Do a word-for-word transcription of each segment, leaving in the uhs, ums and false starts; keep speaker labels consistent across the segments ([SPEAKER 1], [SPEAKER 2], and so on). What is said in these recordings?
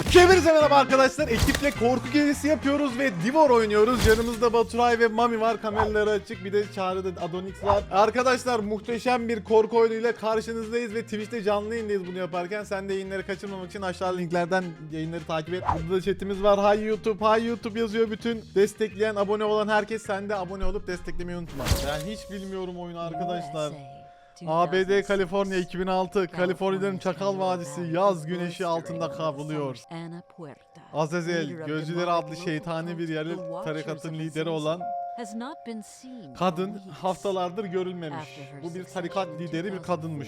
[SPEAKER 1] Hepinize merhaba arkadaşlar. Ekiple korku gezisi yapıyoruz ve Divor oynuyoruz. Yanımızda Baturay ve Mami var. Kameraları açık. Bir de Çağrı'da Adonix var. Arkadaşlar muhteşem bir korku oyunuyla karşınızdayız ve Twitch'te canlı yayındayız bunu yaparken. Sen de yayınları kaçırmamak için aşağı linklerden yayınları takip et. Burada da chatimiz var. Hay YouTube, hay YouTube yazıyor bütün. Destekleyen, abone olan herkes, sen de abone olup desteklemeyi unutma. Ben hiç bilmiyorum oyunu arkadaşlar. A B D Kaliforniya iki bin altı, Kaliforniya'nın Çakal Vadisi yaz güneşi altında kavruluyor. Azazel, Gözcüleri adlı şeytani bir yerli tarikatın lideri olan kadın haftalardır görülmemiş. Bu bir tarikat lideri bir kadınmış.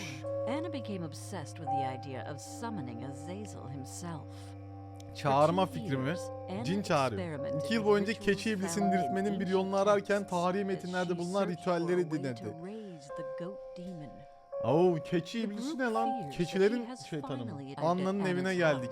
[SPEAKER 1] Çağırma fikrimi, cin çağırıyor. İki yıl boyunca keçi iblisini diriltmenin bir yolunu ararken tarihi metinlerde bulunan ritüelleri dinledi. Oo, keçi iblisi ne lan? Keçilerin şeytanı mı? Anna'nın evine geldik.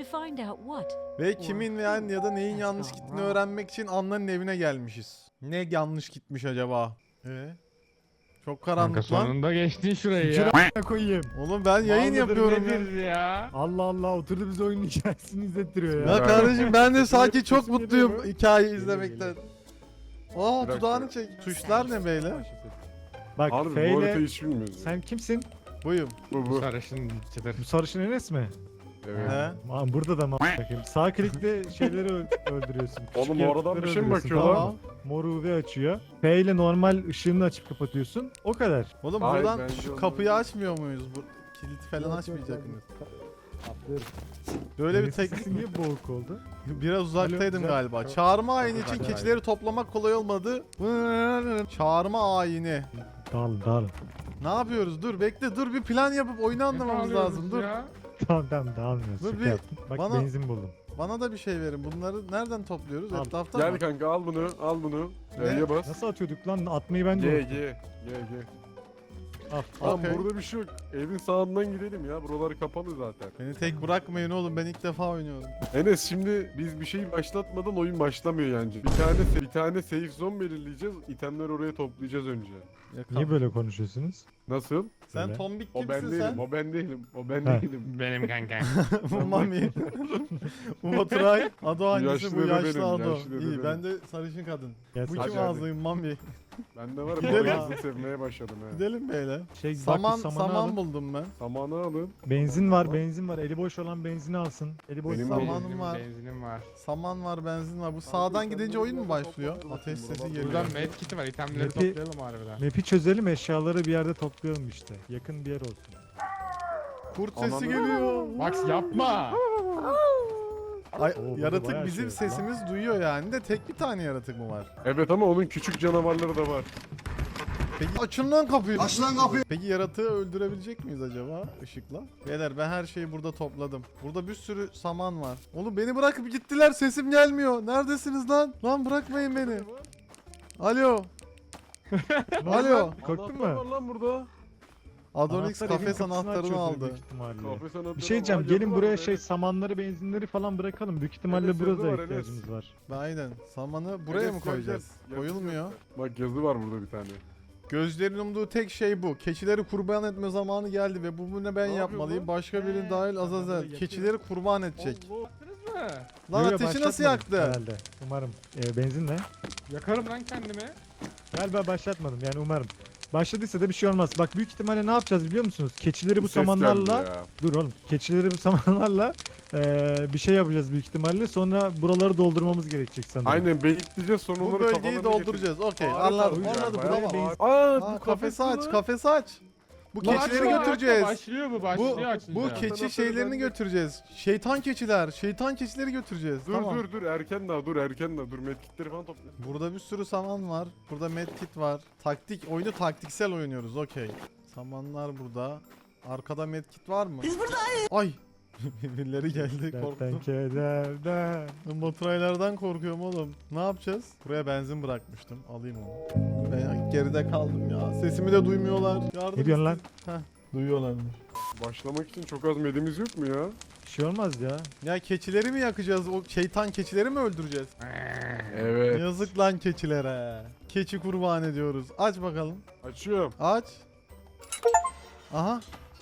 [SPEAKER 1] Ve kimin veya ya da neyin yanlış gittiğini öğrenmek için Anna'nın evine gelmişiz. Ne yanlış gitmiş acaba? Ee? Çok karanlık
[SPEAKER 2] Kanka
[SPEAKER 1] lan.
[SPEAKER 2] sonunda geçtin şurayı ya.
[SPEAKER 3] Şuraya koyayım.
[SPEAKER 1] Oğlum ben yayın
[SPEAKER 2] Mallıdır
[SPEAKER 1] yapıyorum ya.
[SPEAKER 2] nedir ya.
[SPEAKER 3] Allah Allah, oturdu bize oyunun hikayesini izlettiriyor ya.
[SPEAKER 1] Ya kardeşim ben de sanki çok
[SPEAKER 3] Sesim
[SPEAKER 1] mutluyum
[SPEAKER 3] geliyor mu?
[SPEAKER 1] hikayeyi
[SPEAKER 3] Geliyor,
[SPEAKER 1] izlemekten. Aa,
[SPEAKER 4] Bir dakika.
[SPEAKER 1] dudağını çek. Tuşlar ne beyler?
[SPEAKER 3] Bak
[SPEAKER 4] Harbi bu
[SPEAKER 3] F
[SPEAKER 4] haritayı
[SPEAKER 3] ile
[SPEAKER 4] hiç bilmiyoruz.
[SPEAKER 3] sen kimsin?
[SPEAKER 1] Buyum.
[SPEAKER 4] Bu bu.
[SPEAKER 2] Sarışın çıtır.
[SPEAKER 3] Bu sarışın Enes mi?
[SPEAKER 4] Evet.
[SPEAKER 1] He?
[SPEAKER 3] Aman burada da bakayım. Sağ klikle şeyleri öl- öldürüyorsun.
[SPEAKER 4] Oğlum
[SPEAKER 3] Küçük
[SPEAKER 4] oradan
[SPEAKER 3] yaratıkları
[SPEAKER 4] bir şey mi
[SPEAKER 3] öldürüyorsun,
[SPEAKER 4] bakıyor
[SPEAKER 3] tamam
[SPEAKER 4] lan?
[SPEAKER 3] mı? Mor U V açıyor. F ile normal ışığını açıp kapatıyorsun. O kadar.
[SPEAKER 1] Oğlum
[SPEAKER 4] Hayır,
[SPEAKER 1] buradan
[SPEAKER 4] bence
[SPEAKER 1] şu
[SPEAKER 4] onu-
[SPEAKER 1] kapıyı açmıyor muyuz? Bu kilidi falan açmayacak mıyız? Böyle bir
[SPEAKER 3] Enes'in
[SPEAKER 1] tek
[SPEAKER 3] sesi niye boğuk oldu?
[SPEAKER 1] biraz uzaktaydım
[SPEAKER 3] güzel.
[SPEAKER 1] galiba. Çağırma ayini için
[SPEAKER 3] Hadi,
[SPEAKER 1] keçileri toplamak kolay olmadı. Çağırma ayini.
[SPEAKER 3] Dağılın dağılın.
[SPEAKER 1] Ne yapıyoruz? Dur bekle, dur bir plan yapıp oyunu anlamamız lazım. Dur.
[SPEAKER 2] Ya.
[SPEAKER 3] Tamam tamam dağılmıyoruz.
[SPEAKER 1] Dur
[SPEAKER 3] Şaka
[SPEAKER 1] bir-
[SPEAKER 3] yaptım. Bak
[SPEAKER 1] bana-
[SPEAKER 3] benzin buldum.
[SPEAKER 1] Bana da bir şey verin. Bunları nereden topluyoruz?
[SPEAKER 3] Al.
[SPEAKER 1] Etrafta
[SPEAKER 4] Gel
[SPEAKER 1] mı?
[SPEAKER 4] kanka al bunu, al bunu.
[SPEAKER 1] Ne?
[SPEAKER 4] E'ye bas.
[SPEAKER 3] Nasıl atıyorduk lan? Atmayı ben de
[SPEAKER 4] G,
[SPEAKER 3] unuttum.
[SPEAKER 4] G, G, G.
[SPEAKER 3] Al.
[SPEAKER 4] Tamam
[SPEAKER 1] Okey.
[SPEAKER 4] burada bir şey yok. Evin sağından gidelim ya. Buralar kapalı zaten.
[SPEAKER 1] Beni tek bırakmayın oğlum. Ben ilk defa oynuyorum.
[SPEAKER 4] Enes şimdi biz bir şeyi başlatmadan oyun başlamıyor yani. Bir tane bir tane safe zone belirleyeceğiz. İtemleri oraya toplayacağız önce.
[SPEAKER 1] Yakal.
[SPEAKER 3] Niye böyle konuşuyorsunuz?
[SPEAKER 4] Nasıl?
[SPEAKER 1] Sen
[SPEAKER 3] Böyle?
[SPEAKER 1] tombik
[SPEAKER 4] O ben
[SPEAKER 1] kimsin
[SPEAKER 4] değilim,
[SPEAKER 1] sen?
[SPEAKER 4] o ben değilim, o ben
[SPEAKER 3] Ha.
[SPEAKER 4] değilim.
[SPEAKER 2] Benim kanka.
[SPEAKER 1] Bu Mami. Bu Baturay. Ado hangisi?
[SPEAKER 4] yaşlı
[SPEAKER 1] Bu
[SPEAKER 4] dede
[SPEAKER 1] yaşlı
[SPEAKER 4] benim,
[SPEAKER 1] Ado.
[SPEAKER 4] yaşlı dede
[SPEAKER 1] İyi,
[SPEAKER 4] benim.
[SPEAKER 1] ben de sarışın kadın.
[SPEAKER 3] Gel
[SPEAKER 1] Bu
[SPEAKER 3] sen-
[SPEAKER 1] kim
[SPEAKER 4] hadi.
[SPEAKER 1] ağzıyım Mami?
[SPEAKER 4] Ben de var
[SPEAKER 1] Gidelim.
[SPEAKER 4] ya hızlı sevmeye başladım ha.
[SPEAKER 1] Gidelim beyler.
[SPEAKER 3] Şey, bak,
[SPEAKER 1] Saman,
[SPEAKER 3] samanı
[SPEAKER 1] saman
[SPEAKER 3] alın.
[SPEAKER 1] buldum ben.
[SPEAKER 4] Samanı alın.
[SPEAKER 3] Benzin var, benzin var. Eli boş olan benzini alsın. Eli boş
[SPEAKER 4] Benim
[SPEAKER 3] saman.
[SPEAKER 1] Samanım
[SPEAKER 2] Benzinim
[SPEAKER 1] var.
[SPEAKER 2] Benzinim var.
[SPEAKER 1] Saman var, benzin var. Bu sağdan gidince oyun mu başlıyor? Ateş sesi geliyor.
[SPEAKER 2] Buradan medkit var. İtemleri
[SPEAKER 3] Map'i-
[SPEAKER 2] toplayalım harbiden.
[SPEAKER 3] Map'i çözelim, eşyaları bir yerde toplayalım işte. Yakın bir yer olsun.
[SPEAKER 1] Kurt sesi
[SPEAKER 4] Ananı-
[SPEAKER 1] geliyor.
[SPEAKER 2] Max yapma.
[SPEAKER 1] Ay,
[SPEAKER 3] Oo, burada
[SPEAKER 1] yaratık
[SPEAKER 3] bayağı
[SPEAKER 1] bizim
[SPEAKER 3] şey var lan.
[SPEAKER 1] sesimiz duyuyor yani de tek bir tane yaratık mı var?
[SPEAKER 4] Evet ama onun küçük canavarları da var.
[SPEAKER 1] Peki açın lan kapıyı. Aç lan kapıyı. Peki yaratığı öldürebilecek miyiz acaba ışıkla? Beyler ben her şeyi burada topladım. Burada bir sürü saman var. Oğlum beni bırakıp gittiler, sesim gelmiyor. Neredesiniz lan? Lan bırakmayın beni. Alo. Alo.
[SPEAKER 3] Korktun
[SPEAKER 4] Anahtar var
[SPEAKER 3] mu?
[SPEAKER 4] lan burada.
[SPEAKER 1] Adonix
[SPEAKER 3] Anahtar evin
[SPEAKER 1] kafes
[SPEAKER 3] kapısını
[SPEAKER 1] anahtarını
[SPEAKER 3] açıyordur
[SPEAKER 1] aldı.
[SPEAKER 3] büyük ihtimalle.
[SPEAKER 4] Kafes anahtarı
[SPEAKER 3] Bir şey
[SPEAKER 4] var,
[SPEAKER 3] diyeceğim,
[SPEAKER 4] yazı
[SPEAKER 3] gelin
[SPEAKER 4] var
[SPEAKER 3] buraya
[SPEAKER 4] orada.
[SPEAKER 3] şey samanları, benzinleri falan bırakalım. Büyük ihtimalle
[SPEAKER 4] Enes,
[SPEAKER 3] burada
[SPEAKER 4] yazı var,
[SPEAKER 3] ihtiyacımız var.
[SPEAKER 1] Aynen. Samanı buraya
[SPEAKER 4] Enes,
[SPEAKER 1] mı
[SPEAKER 4] gel,
[SPEAKER 1] koyacağız?
[SPEAKER 4] gel.
[SPEAKER 1] Koyulmuyor.
[SPEAKER 4] Bak yazı var burada bir tane.
[SPEAKER 1] Gözlerin umduğu tek şey bu. Keçileri kurban etme zamanı geldi ve bu bunu ben
[SPEAKER 4] Ne
[SPEAKER 1] yapmalıyım.
[SPEAKER 4] yapıyor
[SPEAKER 1] Başka birinin
[SPEAKER 3] He,
[SPEAKER 1] dahil
[SPEAKER 3] samanları
[SPEAKER 1] Azazel.
[SPEAKER 3] yakıyor.
[SPEAKER 1] Keçileri kurban edecek.
[SPEAKER 2] Allah. Yaptınız mı?
[SPEAKER 1] Lan
[SPEAKER 3] Yo, yo,
[SPEAKER 1] ateşi nasıl
[SPEAKER 3] başlatmadım
[SPEAKER 1] yaktı?
[SPEAKER 3] Herhalde. Umarım. Ee, benzin ne?
[SPEAKER 2] Yakarım lan kendimi.
[SPEAKER 3] Galiba başlatmadım yani umarım. Başladıysa da bir şey olmaz. Bak büyük ihtimalle ne yapacağız biliyor musunuz? Keçileri bu
[SPEAKER 4] Bir ses geldi
[SPEAKER 3] samanlarla...
[SPEAKER 4] ya.
[SPEAKER 3] Dur oğlum. Keçileri bu samanlarla eee, bir şey yapacağız büyük ihtimalle. Sonra buraları doldurmamız gerekecek sanırım.
[SPEAKER 4] Aynen beyitleyeceğiz sonra
[SPEAKER 1] Bu
[SPEAKER 4] onları
[SPEAKER 1] bölgeyi
[SPEAKER 4] kafalarına
[SPEAKER 1] dolduracağız. Okey,
[SPEAKER 4] Ağrı
[SPEAKER 1] anladım.
[SPEAKER 4] tabii
[SPEAKER 1] Anladım.
[SPEAKER 4] yani,
[SPEAKER 1] Bravo.
[SPEAKER 4] bayağı ağır. Aa,
[SPEAKER 1] Aa,
[SPEAKER 4] bu
[SPEAKER 1] kafesi aç,
[SPEAKER 4] lan.
[SPEAKER 1] kafesi aç. Bu
[SPEAKER 2] Lan
[SPEAKER 1] keçileri
[SPEAKER 2] açma,
[SPEAKER 1] götüreceğiz.
[SPEAKER 2] Başlıyor mu?
[SPEAKER 1] Bu
[SPEAKER 2] Başlıyor açınca.
[SPEAKER 1] bu keçi
[SPEAKER 4] Anahtarı
[SPEAKER 1] şeylerini
[SPEAKER 4] bende.
[SPEAKER 1] götüreceğiz. Şeytan keçiler, şeytan keçileri götüreceğiz.
[SPEAKER 4] Dur
[SPEAKER 1] Tamam.
[SPEAKER 4] dur dur erken daha dur erken daha dur medkitleri falan topla.
[SPEAKER 1] Burada bir sürü saman var. Burada medkit var. Taktik, oyunu taktiksel oynuyoruz. Okey. Samanlar burada. Arkada medkit var mı? Biz buradayız. Ay. Birileri geldi,
[SPEAKER 3] Dertten
[SPEAKER 1] korktum.
[SPEAKER 3] kederden.
[SPEAKER 1] Ben Baturaylardan korkuyorum oğlum. Ne yapacağız? Buraya benzin bırakmıştım. Alayım onu. Ben geride kaldım ya. Sesimi de duymuyorlar. Yardım
[SPEAKER 3] Ne diyorsun lan?
[SPEAKER 1] Heh, duyuyorlarmış.
[SPEAKER 4] Başlamak için çok az medimiz yok mu ya?
[SPEAKER 3] Bir şey olmaz ya.
[SPEAKER 1] Ya keçileri mi yakacağız? O şeytan keçileri mi öldüreceğiz?
[SPEAKER 4] Evet.
[SPEAKER 1] Yazık lan keçilere. Keçi kurban ediyoruz. Aç bakalım.
[SPEAKER 4] Açıyorum.
[SPEAKER 1] Aç. Aha.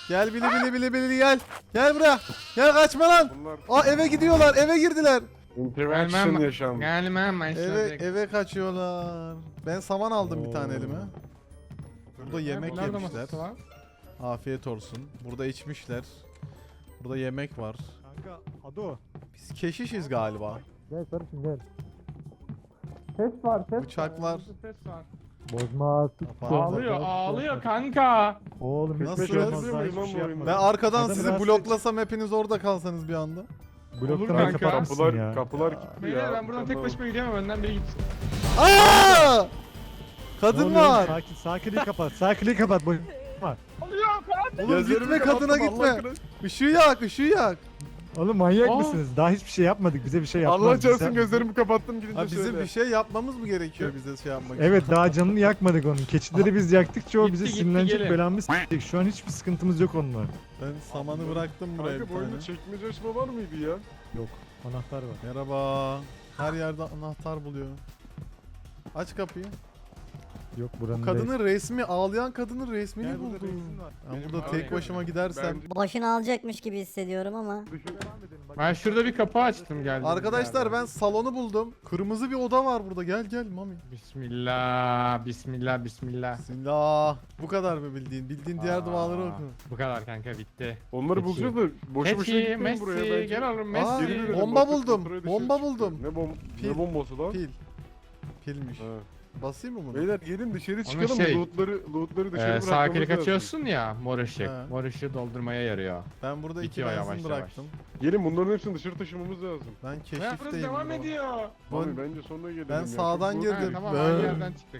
[SPEAKER 1] Gel bili bili bili bili gel. Gel buraya. Gel kaçma lan.
[SPEAKER 4] Bunlar
[SPEAKER 1] Aa eve gidiyorlar. Eve girdiler.
[SPEAKER 4] interaction
[SPEAKER 2] Gelmem.
[SPEAKER 4] yaşandı.
[SPEAKER 2] Gelmem ben
[SPEAKER 1] Eve
[SPEAKER 2] şimdi.
[SPEAKER 1] eve kaçıyorlar. Ben saman aldım bir tane
[SPEAKER 3] Oo.
[SPEAKER 1] elime. Burada yemek
[SPEAKER 2] Nerede
[SPEAKER 1] yemişler.
[SPEAKER 2] masası var?
[SPEAKER 1] Afiyet olsun. Burada içmişler. Burada yemek var.
[SPEAKER 3] Kanka Ado.
[SPEAKER 1] Biz keşişiz galiba.
[SPEAKER 3] Gel sarışın gel.
[SPEAKER 2] Ses var ses
[SPEAKER 1] Bıçaklar.
[SPEAKER 2] Ses var.
[SPEAKER 3] Bozma.
[SPEAKER 2] Ağlıyor ağlıyor kanka.
[SPEAKER 3] Oğlum
[SPEAKER 1] Nasıl
[SPEAKER 3] hiçbir şey
[SPEAKER 1] ya?
[SPEAKER 3] olmaz. Daha hiçbir şey yapmadım.
[SPEAKER 1] Ben arkadan
[SPEAKER 3] Adamı
[SPEAKER 1] sizi
[SPEAKER 3] rahatsız
[SPEAKER 1] bloklasam hepiniz orada kalsanız bir anda.
[SPEAKER 2] Olur
[SPEAKER 3] Blokları
[SPEAKER 2] kanka.
[SPEAKER 3] kapatmışsın
[SPEAKER 4] Kapılar,
[SPEAKER 3] ya.
[SPEAKER 4] kapılar kilitli
[SPEAKER 2] Beyler
[SPEAKER 4] ya.
[SPEAKER 2] ben buradan tek
[SPEAKER 4] Tamam.
[SPEAKER 2] başıma gidemem önden biri gitsin.
[SPEAKER 1] Aa!
[SPEAKER 3] Ne
[SPEAKER 1] Kadın
[SPEAKER 3] oluyor?
[SPEAKER 1] var.
[SPEAKER 3] Sakin, sakinliği kapat. Sakinliği kapat. Boş.
[SPEAKER 2] Alıyor kanka.
[SPEAKER 1] Oğlum
[SPEAKER 4] Gözlerimi
[SPEAKER 1] gitme
[SPEAKER 4] kapattım,
[SPEAKER 1] kadına
[SPEAKER 4] Allah
[SPEAKER 1] gitme.
[SPEAKER 4] aşkına.
[SPEAKER 1] Işığı yak, ışığı yak.
[SPEAKER 3] Oğlum manyak
[SPEAKER 2] Aa.
[SPEAKER 3] mısınız? Daha hiçbir şey yapmadık. Bize bir şey yapmaz.
[SPEAKER 4] Allah
[SPEAKER 3] Biz-
[SPEAKER 4] çarpsın gözlerimi kapattım gidince
[SPEAKER 1] Ha bizim
[SPEAKER 4] söyle.
[SPEAKER 1] bir şey yapmamız mı gerekiyor bize şey yapmak için?
[SPEAKER 3] Evet daha canını yakmadık onun. Keçileri biz yaktıkça o
[SPEAKER 2] Gitti,
[SPEAKER 3] bize
[SPEAKER 2] gitti,
[SPEAKER 3] sinirlenecek,
[SPEAKER 2] gelin.
[SPEAKER 3] belamı s**ecek. Şu an hiçbir sıkıntımız yok onunla.
[SPEAKER 1] Ben samanı bıraktım buraya bir
[SPEAKER 4] Kanka bu
[SPEAKER 1] tane.
[SPEAKER 4] oyunda çekmece açma var mıydı ya?
[SPEAKER 3] Yok. Anahtar var.
[SPEAKER 1] Merhaba. Her yerde anahtar buluyor. Aç kapıyı.
[SPEAKER 3] Yok buranın değil.
[SPEAKER 1] Kadının resmi, ağlayan kadının resmini
[SPEAKER 3] Gel burada
[SPEAKER 1] buldum.
[SPEAKER 3] reisin var.
[SPEAKER 1] Ben
[SPEAKER 2] Benim
[SPEAKER 1] burada
[SPEAKER 2] var
[SPEAKER 1] tek
[SPEAKER 2] ya.
[SPEAKER 1] başıma gidersem.
[SPEAKER 4] Bence
[SPEAKER 5] Boşuna alacakmış gibi hissediyorum ama.
[SPEAKER 4] düşün.
[SPEAKER 2] Ben şurada bir kapı açtım geldim.
[SPEAKER 1] Arkadaşlar ben salonu buldum. Kırmızı bir oda var burada. Gel gel mami.
[SPEAKER 2] Bismillah, bismillah, bismillah.
[SPEAKER 1] Bismillah. Bu kadar mı bildiğin? Bildiğin diğer
[SPEAKER 2] Aa,
[SPEAKER 1] duaları oku.
[SPEAKER 2] Bu kadar kanka bitti.
[SPEAKER 4] Onları
[SPEAKER 3] Peki.
[SPEAKER 4] bulacağız da boşu boşuna
[SPEAKER 2] Messi,
[SPEAKER 4] gitmeyin
[SPEAKER 2] Messi,
[SPEAKER 4] buraya bence.
[SPEAKER 2] gel oğlum
[SPEAKER 1] Aa,
[SPEAKER 2] Messi.
[SPEAKER 4] Geri dönelim,
[SPEAKER 1] bomba
[SPEAKER 4] bakın
[SPEAKER 1] buldum,
[SPEAKER 4] kontrol dışarı
[SPEAKER 1] bomba
[SPEAKER 4] çıktı.
[SPEAKER 1] buldum.
[SPEAKER 4] Ne, bom
[SPEAKER 1] Pil.
[SPEAKER 4] ne bombası lan?
[SPEAKER 1] Pil. Pilmiş.
[SPEAKER 4] Ha.
[SPEAKER 1] Basayım mı bunu?
[SPEAKER 4] Beyler gelin dışarı
[SPEAKER 2] Onun
[SPEAKER 4] çıkalım
[SPEAKER 2] şey-
[SPEAKER 4] lootları, lootları dışarı
[SPEAKER 2] Ee,
[SPEAKER 4] bırakmamız
[SPEAKER 2] sağ klik
[SPEAKER 4] lazım.
[SPEAKER 2] açıyorsun ya mor ışık.
[SPEAKER 1] Ha.
[SPEAKER 2] Mor ışığı doldurmaya yarıyor.
[SPEAKER 1] Ben burada iki
[SPEAKER 2] Bitiyor
[SPEAKER 1] benzin
[SPEAKER 2] yavaş yavaş.
[SPEAKER 1] bıraktım.
[SPEAKER 4] Gelin bunların hepsini dışarı taşımamız lazım.
[SPEAKER 1] Ben
[SPEAKER 2] Ya burası
[SPEAKER 1] keşifteyim.
[SPEAKER 2] devam
[SPEAKER 1] baba.
[SPEAKER 2] ediyor.
[SPEAKER 1] Bu-
[SPEAKER 4] Abi bence sonra gelelim
[SPEAKER 1] Ben
[SPEAKER 4] ya.
[SPEAKER 1] sağdan
[SPEAKER 4] Çok
[SPEAKER 1] girdim.
[SPEAKER 2] Ha, tamam
[SPEAKER 1] Ben-
[SPEAKER 2] aynı yerden çıktık.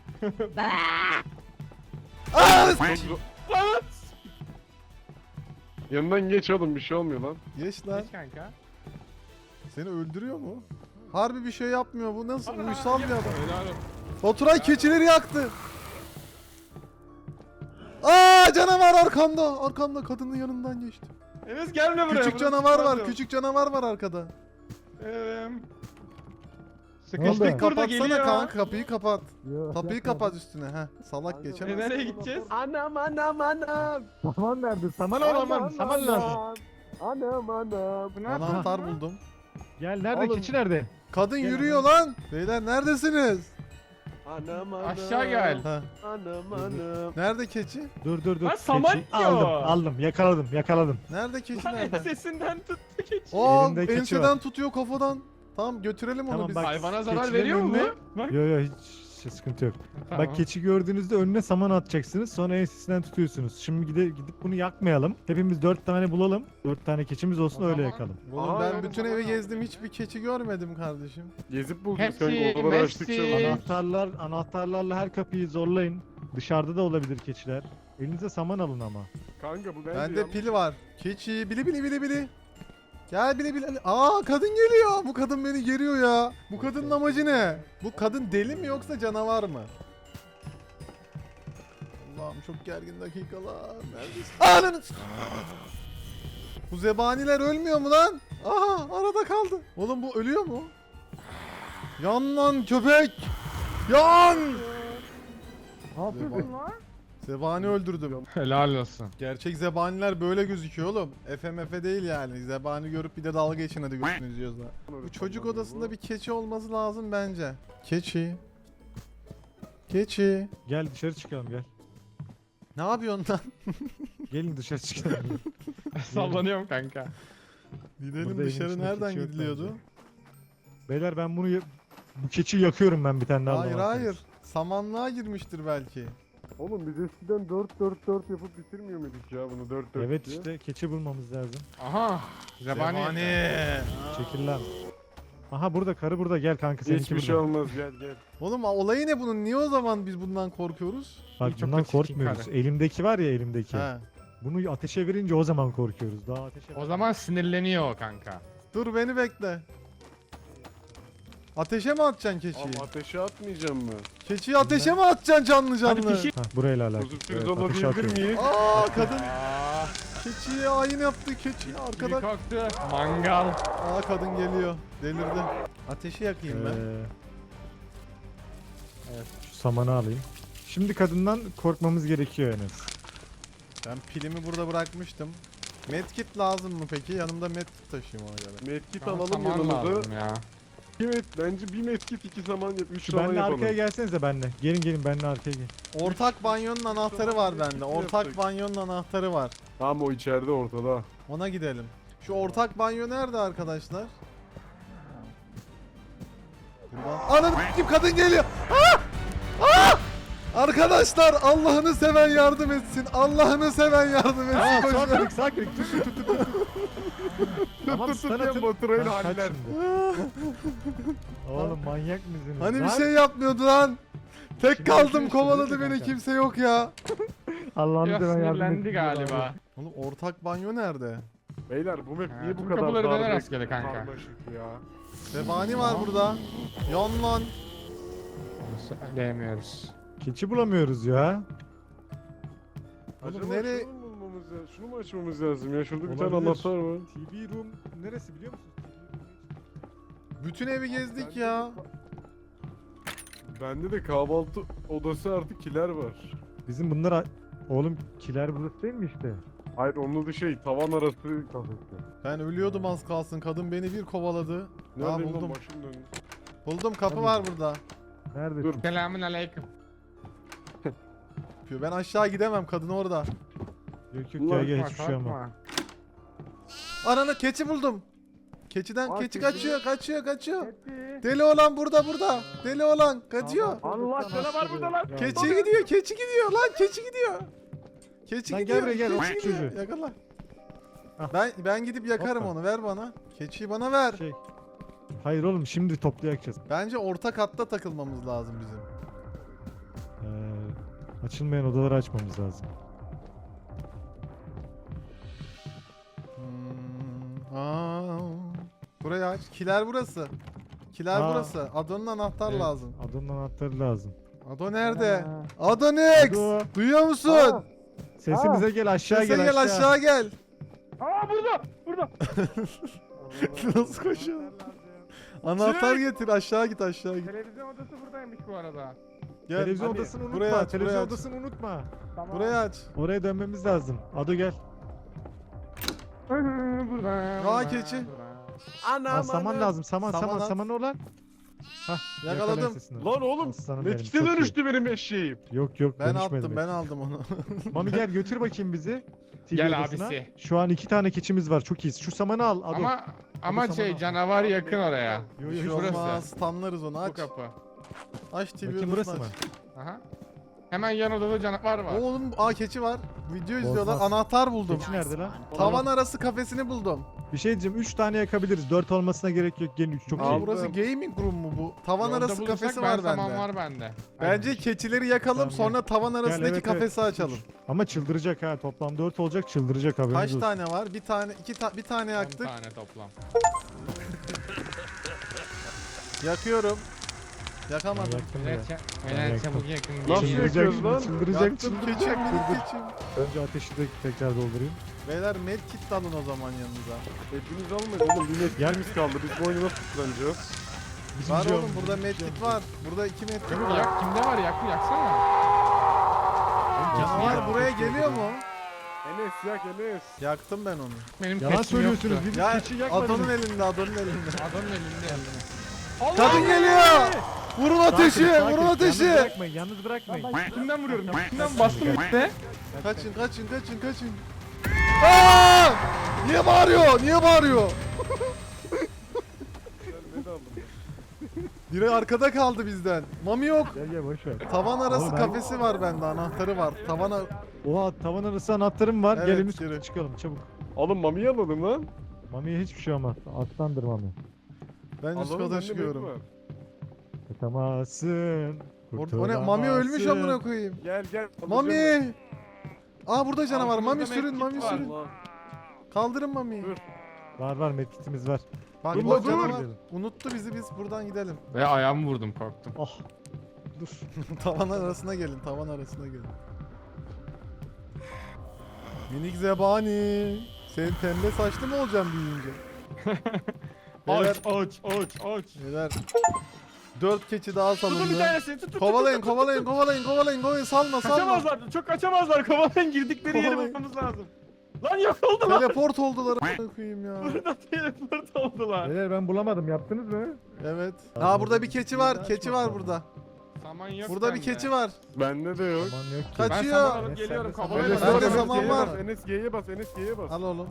[SPEAKER 1] Aa!
[SPEAKER 4] zor- çok zor. Yanından geç oğlum bir şey olmuyor lan.
[SPEAKER 1] Geç lan.
[SPEAKER 2] Geç kanka.
[SPEAKER 1] Seni öldürüyor mu? Harbi bir şey yapmıyor bu. Nasıl uysal bir adam.
[SPEAKER 2] Helal olsun.
[SPEAKER 1] Baturay keçileri yaktı. Aa canavar arkamda. Arkamda kadının yanından geçti.
[SPEAKER 2] Enes gelme buraya.
[SPEAKER 1] Küçük
[SPEAKER 2] burası
[SPEAKER 1] canavar var.
[SPEAKER 2] çıkmaz
[SPEAKER 1] Küçük canavar var arkada.
[SPEAKER 2] Eee.
[SPEAKER 3] Ne oldu?
[SPEAKER 2] Sıkıştık burada
[SPEAKER 1] Kapatsana
[SPEAKER 2] geliyor.
[SPEAKER 1] kanka kapıyı kapat.
[SPEAKER 3] Yok,
[SPEAKER 1] Kapıyı
[SPEAKER 3] yapma.
[SPEAKER 1] kapat üstüne. Heh. Salak
[SPEAKER 2] E,
[SPEAKER 1] geçemez.
[SPEAKER 2] nereye gideceğiz?
[SPEAKER 4] Anam anam anam.
[SPEAKER 3] Saman nerede? Saman olamam. Saman lazım.
[SPEAKER 4] Anam anam.
[SPEAKER 2] Bu ne yapıyor?
[SPEAKER 1] Anahtar buldum.
[SPEAKER 3] Gel nerede?
[SPEAKER 1] Oğlum.
[SPEAKER 3] Keçi nerede?
[SPEAKER 1] Kadın
[SPEAKER 3] Gel
[SPEAKER 1] yürüyor lan. Beyler neredesiniz?
[SPEAKER 4] Anam anam.
[SPEAKER 2] Aşağı gel.
[SPEAKER 1] Ha.
[SPEAKER 4] Anam anam.
[SPEAKER 1] Nerede keçi?
[SPEAKER 3] Dur dur dur.
[SPEAKER 2] Lan saman
[SPEAKER 3] Keçi-
[SPEAKER 2] diyor.
[SPEAKER 3] Aldım aldım yakaladım yakaladım.
[SPEAKER 1] Nerede keçi
[SPEAKER 2] Lan
[SPEAKER 1] nerede?
[SPEAKER 2] ensesinden tuttu keçi.
[SPEAKER 1] Aa
[SPEAKER 3] Elinde keçi
[SPEAKER 1] enseden
[SPEAKER 3] var.
[SPEAKER 1] tutuyor kafadan. Tamam götürelim onu
[SPEAKER 3] Tamam,
[SPEAKER 1] biz.
[SPEAKER 3] bak.
[SPEAKER 2] Hayvana zarar
[SPEAKER 3] Keçilerin
[SPEAKER 2] veriyor mu?
[SPEAKER 3] önüne-
[SPEAKER 2] Bak.
[SPEAKER 3] Yo yo hiç şey, sıkıntı yok.
[SPEAKER 2] Tamam.
[SPEAKER 3] Bak keçi gördüğünüzde önüne saman atacaksınız. Sonra ensesinden tutuyorsunuz. Şimdi gide, gidip bunu yakmayalım. Hepimiz dört tane bulalım. Dört tane keçimiz olsun
[SPEAKER 2] O
[SPEAKER 3] öyle
[SPEAKER 2] zaman-
[SPEAKER 3] yakalım.
[SPEAKER 1] Oğlum
[SPEAKER 4] Aa,
[SPEAKER 1] ben
[SPEAKER 4] yani
[SPEAKER 1] bütün
[SPEAKER 4] tamam
[SPEAKER 1] evi
[SPEAKER 4] abi.
[SPEAKER 1] gezdim hiçbir keçi görmedim kardeşim.
[SPEAKER 4] Gezip bulacağız
[SPEAKER 2] Hepsi,
[SPEAKER 4] kanka odaları
[SPEAKER 2] Messi.
[SPEAKER 4] açtıkça bulacağız.
[SPEAKER 3] Anahtarlar, anahtarlarla her kapıyı zorlayın. Dışarıda da olabilir keçiler. Elinize saman alın ama.
[SPEAKER 4] Kanka bu bence
[SPEAKER 1] Bende
[SPEAKER 4] yanlış.
[SPEAKER 1] pil var. Keçi bili bili bili bili. Gel bili bili. Aa kadın geliyor. Bu kadın beni geriyor ya. Bu kadının amacı ne? Bu kadın deli mi yoksa canavar mı? Allah'ım çok gergin dakikalar. Neredesin? Ananı s- Bu zebaniler ölmüyor mu lan? Aha arada kaldı. Oğlum bu ölüyor mu? Yan lan köpek. Yan.
[SPEAKER 3] Ne
[SPEAKER 1] yapıyorsun Zebani öldürdüm.
[SPEAKER 2] Helal olsun.
[SPEAKER 1] Gerçek zebaniler böyle gözüküyor oğlum. F M F değil yani. Zebani görüp bir de dalga geçin hadi gözünü izliyoruz da. Bu çocuk odasında bir keçi olması lazım bence. Keçi. Keçi.
[SPEAKER 3] Gel dışarı çıkalım gel.
[SPEAKER 1] Ne yapıyorsun lan?
[SPEAKER 3] Gelin dışarı çıkalım.
[SPEAKER 2] Sallanıyorum kanka.
[SPEAKER 1] Gidelim
[SPEAKER 3] Burada evin
[SPEAKER 1] dışarı
[SPEAKER 3] içinde
[SPEAKER 1] nereden
[SPEAKER 3] keçi yok
[SPEAKER 1] gidiliyordu?
[SPEAKER 3] bence. Beyler ben bunu ya- bu keçiyi yakıyorum ben bir tane daha.
[SPEAKER 1] Hayır
[SPEAKER 3] bulamazsanız.
[SPEAKER 1] hayır. Samanlığa girmiştir belki.
[SPEAKER 4] Oğlum biz eskiden dört dört dört yapıp bitirmiyor muyduk ya bunu dört dört
[SPEAKER 3] Evet
[SPEAKER 4] diye?
[SPEAKER 3] işte keçi bulmamız lazım.
[SPEAKER 2] Aha. Zebani.
[SPEAKER 3] Çekil lan. Aha burada karı burada gel kanka seninki
[SPEAKER 4] Hiçbir
[SPEAKER 3] burada.
[SPEAKER 4] şey olmaz gel gel.
[SPEAKER 1] Oğlum olayı ne bunun? Niye o zaman biz bundan korkuyoruz?
[SPEAKER 3] Bak
[SPEAKER 2] Çok
[SPEAKER 3] bundan
[SPEAKER 2] da çirkin
[SPEAKER 3] korkmuyoruz.
[SPEAKER 2] karı.
[SPEAKER 3] Elimdeki var ya elimdeki.
[SPEAKER 1] He.
[SPEAKER 3] Bunu ateşe verince o zaman korkuyoruz. Daha ateşe
[SPEAKER 2] O zaman sinirleniyor o kanka.
[SPEAKER 1] Dur beni bekle. Ateşe mi atacaksın keçiyi?
[SPEAKER 4] Abi ateşe atmayacağım mı?
[SPEAKER 1] Keçiyi ateşe mi atacaksın canlı canlı?
[SPEAKER 2] Hadi pişir.
[SPEAKER 3] Hah burayla alakalı.
[SPEAKER 4] Kuzu
[SPEAKER 3] Evet,
[SPEAKER 4] pirzola
[SPEAKER 3] ateşe
[SPEAKER 4] diyebilir
[SPEAKER 3] atıyorum.
[SPEAKER 4] miyiz?
[SPEAKER 1] Aa kadın
[SPEAKER 2] Aa,
[SPEAKER 1] keçiye ayin yaptı keçi
[SPEAKER 2] biri
[SPEAKER 1] arkada.
[SPEAKER 2] kalktı. Mangal.
[SPEAKER 1] Aa kadın geliyor. Delirdi. Ateşi yakayım ben.
[SPEAKER 3] Ee, evet şu samanı alayım. Şimdi kadından korkmamız gerekiyor Enes.
[SPEAKER 1] Ben pilimi burada bırakmıştım. Medkit lazım mı peki? Yanımda medkit taşıyayım ona göre.
[SPEAKER 4] Medkit
[SPEAKER 2] Bana
[SPEAKER 4] alalım
[SPEAKER 2] saman
[SPEAKER 4] yanımıza.
[SPEAKER 2] lazım ya.
[SPEAKER 4] İki met, bence bir medkit iki saman yap. Üç
[SPEAKER 3] Şu
[SPEAKER 4] saman
[SPEAKER 3] benle
[SPEAKER 4] yapalım.
[SPEAKER 3] arkaya gelsenize benle. Gelin gelin benle arkaya gelin.
[SPEAKER 1] Ortak banyonun anahtarı var bende. Ortak
[SPEAKER 4] yaptık.
[SPEAKER 1] banyonun anahtarı var.
[SPEAKER 4] Tamam o içeride ortada.
[SPEAKER 1] Ona gidelim. Şu ortak banyo nerede arkadaşlar? Burada. Anam kim kadın geliyor. Ah! Ah! Arkadaşlar Allah'ını seven yardım etsin. Allah'ını seven yardım etsin.
[SPEAKER 3] Aa
[SPEAKER 1] Koşun.
[SPEAKER 3] sakinlik sakinlik tut tut tut tut. tut. Tamam
[SPEAKER 4] tut tut
[SPEAKER 3] stun
[SPEAKER 4] diye
[SPEAKER 3] atın.
[SPEAKER 4] Baturay'ın
[SPEAKER 3] Ha, kaç
[SPEAKER 4] haller.
[SPEAKER 3] şimdi? Oğlum manyak mısınız?
[SPEAKER 1] Hani bir
[SPEAKER 3] Lan,
[SPEAKER 1] şey yapmıyordu lan. Tek
[SPEAKER 3] Şimdi
[SPEAKER 1] kaldım
[SPEAKER 3] yapıyor,
[SPEAKER 1] kovaladı
[SPEAKER 3] şimdi
[SPEAKER 1] beni
[SPEAKER 3] kanka.
[SPEAKER 1] kimse yok ya.
[SPEAKER 3] Allah'ını
[SPEAKER 2] Biraz
[SPEAKER 3] seven yardım
[SPEAKER 2] sinirlendi
[SPEAKER 3] etsin
[SPEAKER 2] galiba.
[SPEAKER 1] Oğlum ortak banyo nerede?
[SPEAKER 4] Beyler bu map
[SPEAKER 2] Ha,
[SPEAKER 4] niye bu
[SPEAKER 2] tüm
[SPEAKER 4] kadar
[SPEAKER 2] kapıları döner
[SPEAKER 4] darbe-
[SPEAKER 2] rastgele kanka.
[SPEAKER 4] karmaşık ya?
[SPEAKER 1] Zebani var burada. Yan lan.
[SPEAKER 2] Onu söyleyemiyoruz.
[SPEAKER 3] Keçi bulamıyoruz ya.
[SPEAKER 1] Oğlum
[SPEAKER 4] Acaba
[SPEAKER 1] nereye-
[SPEAKER 4] şunu mu bulmamız lazım? Şunu mu açmamız lazım ya? Şurada bir tane
[SPEAKER 3] Olabilir.
[SPEAKER 4] anahtar var.
[SPEAKER 3] T V room neresi biliyor musunuz?
[SPEAKER 1] Bütün evi gezdik ya.
[SPEAKER 4] Bende de kahvaltı odası artık kiler var.
[SPEAKER 3] Bizim bunlar a- oğlum kiler burası değil mi işte?
[SPEAKER 4] Hayır onun da şey tavan arası kafesi.
[SPEAKER 1] Ben ölüyordum az kalsın. Kadın beni bir kovaladı.
[SPEAKER 4] Nerede
[SPEAKER 1] Aa,
[SPEAKER 4] lan
[SPEAKER 1] buldum.
[SPEAKER 4] başım döndü.
[SPEAKER 1] Buldum kapı
[SPEAKER 3] Tabii.
[SPEAKER 1] var burada.
[SPEAKER 3] Nerede?
[SPEAKER 4] Dur.
[SPEAKER 2] Selamun aleyküm.
[SPEAKER 1] Ben aşağı gidemem kadın orada.
[SPEAKER 3] Yok yok
[SPEAKER 4] Ulan
[SPEAKER 3] gel gel
[SPEAKER 2] Korkma,
[SPEAKER 3] hiçbir şey ama.
[SPEAKER 2] korkma.
[SPEAKER 1] Ananı keçi buldum. Keçiden
[SPEAKER 4] Aa,
[SPEAKER 1] keçi
[SPEAKER 4] keçi.
[SPEAKER 1] kaçıyor kaçıyor kaçıyor. Deli olan burada burada. Deli olan kaçıyor.
[SPEAKER 4] Allah sana var burada lan.
[SPEAKER 1] Keçi gidiyor keçi gidiyor lan keçi gidiyor. Keçi
[SPEAKER 3] Lan gel
[SPEAKER 1] gidiyor.
[SPEAKER 3] buraya, gel,
[SPEAKER 1] keçi
[SPEAKER 3] o
[SPEAKER 1] gidiyor.
[SPEAKER 3] çocuğu.
[SPEAKER 1] Yakala.
[SPEAKER 3] Ah.
[SPEAKER 1] Ben ben gidip yakarım
[SPEAKER 3] Hoppa.
[SPEAKER 1] onu ver bana. Keçiyi bana ver.
[SPEAKER 3] Şey. Hayır oğlum şimdi toplayacağız.
[SPEAKER 1] Bence orta katta takılmamız lazım bizim.
[SPEAKER 3] Ee, açılmayan odaları açmamız lazım.
[SPEAKER 1] Hmm, aa. Burayı aç. Kiler burası. Kiler
[SPEAKER 3] Aa.
[SPEAKER 1] burası. Ado'nun anahtar
[SPEAKER 3] Evet,
[SPEAKER 1] lazım.
[SPEAKER 3] Adonun anahtarı lazım.
[SPEAKER 1] Ado nerede?
[SPEAKER 2] Aa.
[SPEAKER 1] Adonix!
[SPEAKER 3] Ado.
[SPEAKER 1] Duyuyor musun?
[SPEAKER 3] Aa. Sesimize gel aşağı
[SPEAKER 1] Sese
[SPEAKER 3] gel,
[SPEAKER 1] gel aşağı gel.
[SPEAKER 2] Aa burada! Burada!
[SPEAKER 1] Nasıl koşuyor? Anahtar getir aşağı git aşağı git.
[SPEAKER 2] Televizyon odası buradaymış bu arada.
[SPEAKER 1] Gel.
[SPEAKER 3] Televizyon
[SPEAKER 1] hadi.
[SPEAKER 3] odasını unutma.
[SPEAKER 1] Buraya aç,
[SPEAKER 3] Televizyon
[SPEAKER 1] buraya aç.
[SPEAKER 3] odasını unutma.
[SPEAKER 2] Tamam.
[SPEAKER 1] Buraya aç.
[SPEAKER 3] Oraya dönmemiz lazım. Ado gel.
[SPEAKER 2] burada.
[SPEAKER 1] Aa,
[SPEAKER 2] burada,
[SPEAKER 1] keçi.
[SPEAKER 2] burada.
[SPEAKER 4] Anam
[SPEAKER 3] Aa, saman lazım. Saman
[SPEAKER 1] Saman
[SPEAKER 3] saman
[SPEAKER 1] at.
[SPEAKER 3] saman olan. Hah
[SPEAKER 1] Yakaladım.
[SPEAKER 3] yakala sesini.
[SPEAKER 4] Lan oğlum
[SPEAKER 3] Aslanım benim,
[SPEAKER 4] Metkite
[SPEAKER 3] çok iyi.
[SPEAKER 4] dönüştü benim eşeğim.
[SPEAKER 3] Yok yok
[SPEAKER 1] Ben
[SPEAKER 3] dönüşmedi
[SPEAKER 1] attım
[SPEAKER 3] mi?
[SPEAKER 1] ben aldım onu.
[SPEAKER 3] Mami gel götür bakayım bizi. T V
[SPEAKER 2] Gel
[SPEAKER 3] odasına.
[SPEAKER 2] abisi.
[SPEAKER 3] Şu an iki tane keçimiz var çok iyiyiz. Şu samanı al Ado.
[SPEAKER 2] Ama ama
[SPEAKER 3] Ado
[SPEAKER 2] şey
[SPEAKER 3] saman al.
[SPEAKER 2] canavar yakın oraya.
[SPEAKER 3] Yo, yo,
[SPEAKER 1] Bir şey
[SPEAKER 3] hiç
[SPEAKER 2] burası.
[SPEAKER 1] olmaz. Stunlarız onu
[SPEAKER 2] Bu
[SPEAKER 1] aç.
[SPEAKER 2] kapı.
[SPEAKER 1] Aç T V
[SPEAKER 3] Bakayım
[SPEAKER 1] odasını
[SPEAKER 3] burası mı?
[SPEAKER 1] aç.
[SPEAKER 2] Aha. Hemen yan odada canavar var.
[SPEAKER 1] Oğlum aa keçi var. Video izliyorlar.
[SPEAKER 3] Bozmaz.
[SPEAKER 1] Anahtar buldum.
[SPEAKER 3] Keçi nerede lan?
[SPEAKER 1] Tavan arası kafesini buldum.
[SPEAKER 3] Bir şey diyeceğim üç tane yakabiliriz. dört olmasına gerek yok. Gelin üç çok
[SPEAKER 1] Aa,
[SPEAKER 3] iyi.
[SPEAKER 4] Aldım.
[SPEAKER 1] burası gaming room mu bu? Tavan
[SPEAKER 2] Yolda
[SPEAKER 1] arası
[SPEAKER 2] bulursak
[SPEAKER 1] kafesi
[SPEAKER 2] ben
[SPEAKER 1] var
[SPEAKER 2] saman
[SPEAKER 1] bende.
[SPEAKER 2] var bende.
[SPEAKER 1] Bence keçileri yakalım
[SPEAKER 3] Tamam,
[SPEAKER 1] sonra tavan arasındaki
[SPEAKER 3] evet,
[SPEAKER 1] kafesi
[SPEAKER 3] evet.
[SPEAKER 1] açalım.
[SPEAKER 3] Ama çıldıracak ha. Toplam dört olacak çıldıracak haberiniz
[SPEAKER 1] Kaç
[SPEAKER 3] olsun.
[SPEAKER 1] tane var? Bir tane, iki ta bir tane
[SPEAKER 2] on
[SPEAKER 1] yaktık.
[SPEAKER 2] tane toplam.
[SPEAKER 1] Yakıyorum. Yakamadım.
[SPEAKER 3] Yaktım ya.
[SPEAKER 2] Evet, ça-
[SPEAKER 3] Ben
[SPEAKER 2] evet
[SPEAKER 3] yaktım.
[SPEAKER 2] çabuk yakın.
[SPEAKER 4] Nasıl
[SPEAKER 2] geliyor.
[SPEAKER 3] Çıldıracak
[SPEAKER 4] yakıyoruz
[SPEAKER 3] şimdi
[SPEAKER 4] lan?
[SPEAKER 3] çıldıracak
[SPEAKER 1] Yaktım
[SPEAKER 3] çıldıracak.
[SPEAKER 1] keçim, minik
[SPEAKER 3] Çıldıracak.
[SPEAKER 1] keçim.
[SPEAKER 3] Önce ateşi de tekrar doldurayım.
[SPEAKER 1] Beyler medkit alın o zaman yanınıza.
[SPEAKER 4] Hepimiz almadık oğlum bir metkimiz kaldı. Biz bu oyunu nasıl tutlanacağız?
[SPEAKER 3] Bizim
[SPEAKER 1] Var
[SPEAKER 3] canım,
[SPEAKER 1] oğlum burada
[SPEAKER 3] bizim
[SPEAKER 1] medkit
[SPEAKER 3] canım.
[SPEAKER 1] var. Burada iki medkit
[SPEAKER 2] Çabuk
[SPEAKER 1] var.
[SPEAKER 2] yak, kimde var yakı yaksana.
[SPEAKER 1] Canavar
[SPEAKER 3] ya,
[SPEAKER 1] buraya
[SPEAKER 3] çok
[SPEAKER 1] geliyor mu?
[SPEAKER 4] Enes yak Enes.
[SPEAKER 1] Yaktım ben onu.
[SPEAKER 2] Benim
[SPEAKER 3] Yalan
[SPEAKER 2] keçim
[SPEAKER 3] söylüyorsunuz.
[SPEAKER 2] yoktu.
[SPEAKER 3] Biz
[SPEAKER 1] Ya
[SPEAKER 3] keçi yakmadınız.
[SPEAKER 1] Adon'un elinde, Adon'un elinde.
[SPEAKER 2] Adamın elinde.
[SPEAKER 1] Kadın geliyor! Vurun ateşi,
[SPEAKER 3] Sakin,
[SPEAKER 1] vurun
[SPEAKER 3] sakin.
[SPEAKER 1] ateşi!
[SPEAKER 3] Yalnız bırakmayın, yalnız bırakmayın.
[SPEAKER 2] Kimden vuruyorum? Kimden bastım işte.
[SPEAKER 1] Kaçın, kaçın, kaçın, kaçın. Aa! Niye bağırıyor? Niye bağırıyor?
[SPEAKER 4] Ne de aldım?
[SPEAKER 1] Biri arkada kaldı bizden. Mami yok.
[SPEAKER 3] Gel gel boş ver.
[SPEAKER 1] Tavan arası
[SPEAKER 3] Oğlum ben-
[SPEAKER 1] kafesi var bende, anahtarı var. Tavana...
[SPEAKER 3] Oha tavan arası anahtarım var.
[SPEAKER 1] Evet,
[SPEAKER 3] Gel henüz
[SPEAKER 1] yürü.
[SPEAKER 3] çıkalım çabuk.
[SPEAKER 4] Oğlum mamiyi alalım lan.
[SPEAKER 3] Mami'ye hiçbir şey olmaz. Aslandır Mami.
[SPEAKER 1] Ben üst
[SPEAKER 4] Alalım,
[SPEAKER 1] kata
[SPEAKER 4] bende
[SPEAKER 1] çıkıyorum.
[SPEAKER 4] med var.
[SPEAKER 3] Kurtamazsın.
[SPEAKER 1] Or- O ne? Mami ölmüş amına koyayım.
[SPEAKER 4] Gel gel. alacağım ben.
[SPEAKER 1] Mami! Aa burada canavar.
[SPEAKER 2] Altımızda
[SPEAKER 1] Mami sürün,
[SPEAKER 2] medkit
[SPEAKER 1] Mami
[SPEAKER 2] var.
[SPEAKER 1] sürün.
[SPEAKER 4] Allah.
[SPEAKER 1] Kaldırın Mami'yi.
[SPEAKER 4] Dur.
[SPEAKER 3] Var var medkitimiz var.
[SPEAKER 1] Bak
[SPEAKER 4] Dur
[SPEAKER 1] o
[SPEAKER 4] la, dur.
[SPEAKER 1] canavar unuttu bizi, biz buradan gidelim.
[SPEAKER 2] Ve ayağımı vurdum korktum.
[SPEAKER 3] Oh. Dur.
[SPEAKER 1] Tavan arasına gelin, tavan arasına gelin. Minik zebani. Senin pembe saçlı mı olacağım büyüyünce? Beyler,
[SPEAKER 2] Aç aç aç aç.
[SPEAKER 1] beyler. Dört keçi daha
[SPEAKER 2] Tutun bir
[SPEAKER 1] salındı.
[SPEAKER 2] tanesini tut tut.
[SPEAKER 1] Kovalayın kovalayın kovalayın kovalayın kovalayın salma salma.
[SPEAKER 2] Kaçamazlar. Çok kaçamazlar. Kovalayın girdikleri yeri
[SPEAKER 1] Kovalayın.
[SPEAKER 2] bulmamız lazım. Lan yok oldu lan.
[SPEAKER 1] Teleport oldular a**ına koyayım ya.
[SPEAKER 2] Burada teleport oldular.
[SPEAKER 3] Beyler ben bulamadım. Yaptınız mı?
[SPEAKER 1] Evet. Ha burada bir keçi var. Keçi var burada.
[SPEAKER 2] Saman yok
[SPEAKER 1] Burada bir
[SPEAKER 2] bende.
[SPEAKER 1] keçi var.
[SPEAKER 4] Bende de yok.
[SPEAKER 3] Aman yok ki.
[SPEAKER 1] Kaç-
[SPEAKER 2] Ben
[SPEAKER 1] Kaçıyor.
[SPEAKER 2] saman alıp
[SPEAKER 3] Enes,
[SPEAKER 2] geliyorum.
[SPEAKER 3] sen de
[SPEAKER 2] Kovalayın.
[SPEAKER 1] saman- Bende
[SPEAKER 2] Bende
[SPEAKER 1] saman
[SPEAKER 4] G'ye
[SPEAKER 1] var.
[SPEAKER 4] bas, Enes G'ye bas, Enes G'ye bas.
[SPEAKER 1] Al oğlum.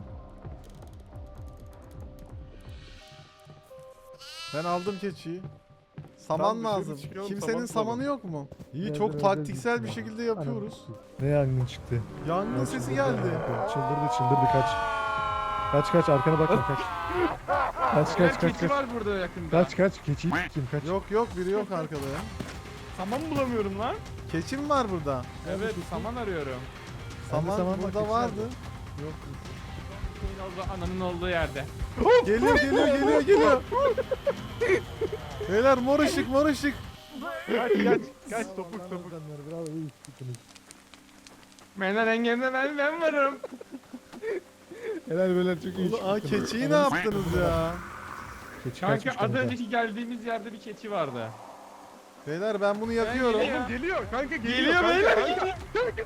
[SPEAKER 1] Ben aldım keçiyi. Saman
[SPEAKER 4] Tamam, dışarı
[SPEAKER 1] lazım.
[SPEAKER 4] çıkalım,
[SPEAKER 1] Kimsenin
[SPEAKER 4] saman
[SPEAKER 1] samanı
[SPEAKER 4] bulalım.
[SPEAKER 1] yok mu? İyi
[SPEAKER 3] Evet,
[SPEAKER 1] çok
[SPEAKER 3] evet,
[SPEAKER 1] taktiksel
[SPEAKER 3] evet.
[SPEAKER 1] bir şekilde yapıyoruz.
[SPEAKER 3] Ne yangın çıktı?
[SPEAKER 1] Yangın
[SPEAKER 3] Ya
[SPEAKER 1] sesi
[SPEAKER 3] çıldırdı
[SPEAKER 1] geldi.
[SPEAKER 3] ya. Çıldırdı çıldırdı kaç. Kaç kaç arkana bakma kaç. Kaç
[SPEAKER 2] Birer
[SPEAKER 3] kaç kaç
[SPEAKER 2] keçi
[SPEAKER 3] kaç.
[SPEAKER 2] var burada yakında.
[SPEAKER 3] Kaç kaç keçiyi kim kaç.
[SPEAKER 1] Yok yok biri yok arkada ya.
[SPEAKER 2] Saman bulamıyorum lan.
[SPEAKER 1] Keçi mi var burada?
[SPEAKER 2] Evet saman arıyorum.
[SPEAKER 3] Bende
[SPEAKER 1] Saman,
[SPEAKER 3] saman var,
[SPEAKER 1] burada
[SPEAKER 3] keçi
[SPEAKER 1] vardı.
[SPEAKER 3] nerede?
[SPEAKER 1] Yok.
[SPEAKER 2] Şeyin olduğu, ananın olduğu yerde.
[SPEAKER 1] Geliyor geliyor geliyor geliyor. Beyler mor ışık mor ışık.
[SPEAKER 4] Kaç kaç kaç topuk topuk.
[SPEAKER 3] Bravo iyi gittiniz.
[SPEAKER 2] Benden engelinde ben, ben varım.
[SPEAKER 3] Helal beyler çok iyi.
[SPEAKER 1] Ulan, aa,
[SPEAKER 3] çıktınız.
[SPEAKER 1] keçiyi ne yaptınız ya?
[SPEAKER 3] Keçi
[SPEAKER 2] Kanka
[SPEAKER 3] kaçmış
[SPEAKER 2] az
[SPEAKER 3] kanka.
[SPEAKER 2] önceki geldiğimiz yerde bir keçi vardı.
[SPEAKER 1] Beyler ben bunu yakıyorum.
[SPEAKER 2] geliyor.
[SPEAKER 4] Oğlum geliyor kanka geliyor.
[SPEAKER 2] Geliyor
[SPEAKER 4] kanka,
[SPEAKER 2] beyler.
[SPEAKER 4] kanka.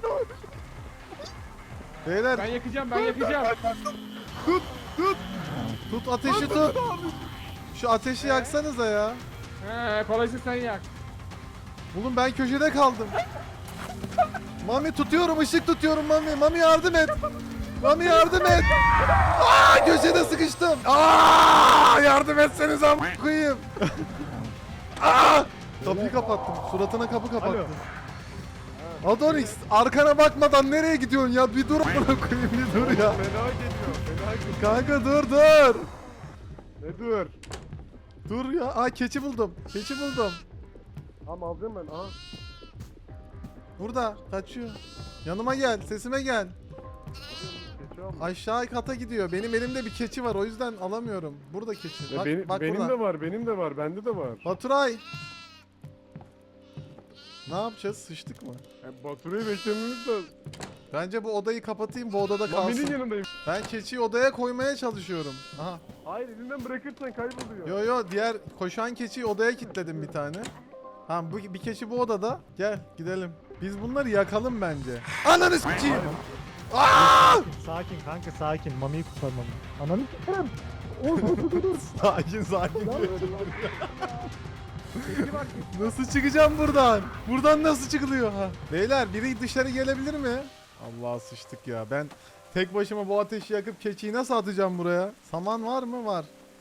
[SPEAKER 1] Beyler
[SPEAKER 2] Ben yakacağım ben yakacağım.
[SPEAKER 1] tut ateşi tut. Şu ateşi yaksanıza ya.
[SPEAKER 2] He kolaysa sen yak.
[SPEAKER 1] Oğlum ben köşede kaldım. Mami tutuyorum ışık tutuyorum Mami. Mami yardım et. Mami yardım et. Aa köşede sıkıştım. Aa yardım etseniz am koyayım. Aa kapıyı kapattım. Suratına kapı kapattım. Adonis arkana bakmadan nereye gidiyorsun ya? Bir dur amına koyayım bir dur ya.
[SPEAKER 4] Fena geliyor. Fena geliyor.
[SPEAKER 1] Kanka dur dur.
[SPEAKER 4] Ne dur.
[SPEAKER 1] Dur ya. Aa keçi buldum. Keçi buldum.
[SPEAKER 4] Tamam alacağım ben. Aha.
[SPEAKER 1] Burada kaçıyor. Yanıma gel. Sesime gel.
[SPEAKER 4] Keçi aldım.
[SPEAKER 1] Aşağı kata gidiyor. Benim elimde bir keçi var. O yüzden alamıyorum. Burada keçi.
[SPEAKER 4] Ya
[SPEAKER 1] Bak,
[SPEAKER 4] benim
[SPEAKER 1] bak
[SPEAKER 4] benim
[SPEAKER 1] burada.
[SPEAKER 4] de var, benim de var, bende de var.
[SPEAKER 1] Baturay. Ne yapacağız? Sıçtık mı?
[SPEAKER 4] Yani Baturay'ı beklememiz lazım.
[SPEAKER 1] Bence bu odayı kapatayım. Bu odada
[SPEAKER 4] Mami'nin
[SPEAKER 1] kalsın.
[SPEAKER 4] yanındayım.
[SPEAKER 1] Ben keçiyi odaya koymaya çalışıyorum. Aha.
[SPEAKER 4] Hayır elinden bırakırsan kayboluyor.
[SPEAKER 1] Yo yo diğer koşan keçiyi odaya kilitledim bir tane. Ha bu bir keçi bu odada. Gel gidelim. Biz bunları yakalım bence. Ananı s**eyim. Aa!
[SPEAKER 3] Sakin kanka sakin. Mami'yi kurtarmam. Ananı s**erim.
[SPEAKER 1] Sakin sakin. Nasıl çıkacağım buradan? Buradan nasıl çıkılıyor ha? Beyler biri dışarı gelebilir mi? Allah sıçtık ya. Ben tek başıma bu ateşi yakıp keçiyi nasıl atacağım buraya? Saman var mı? Var.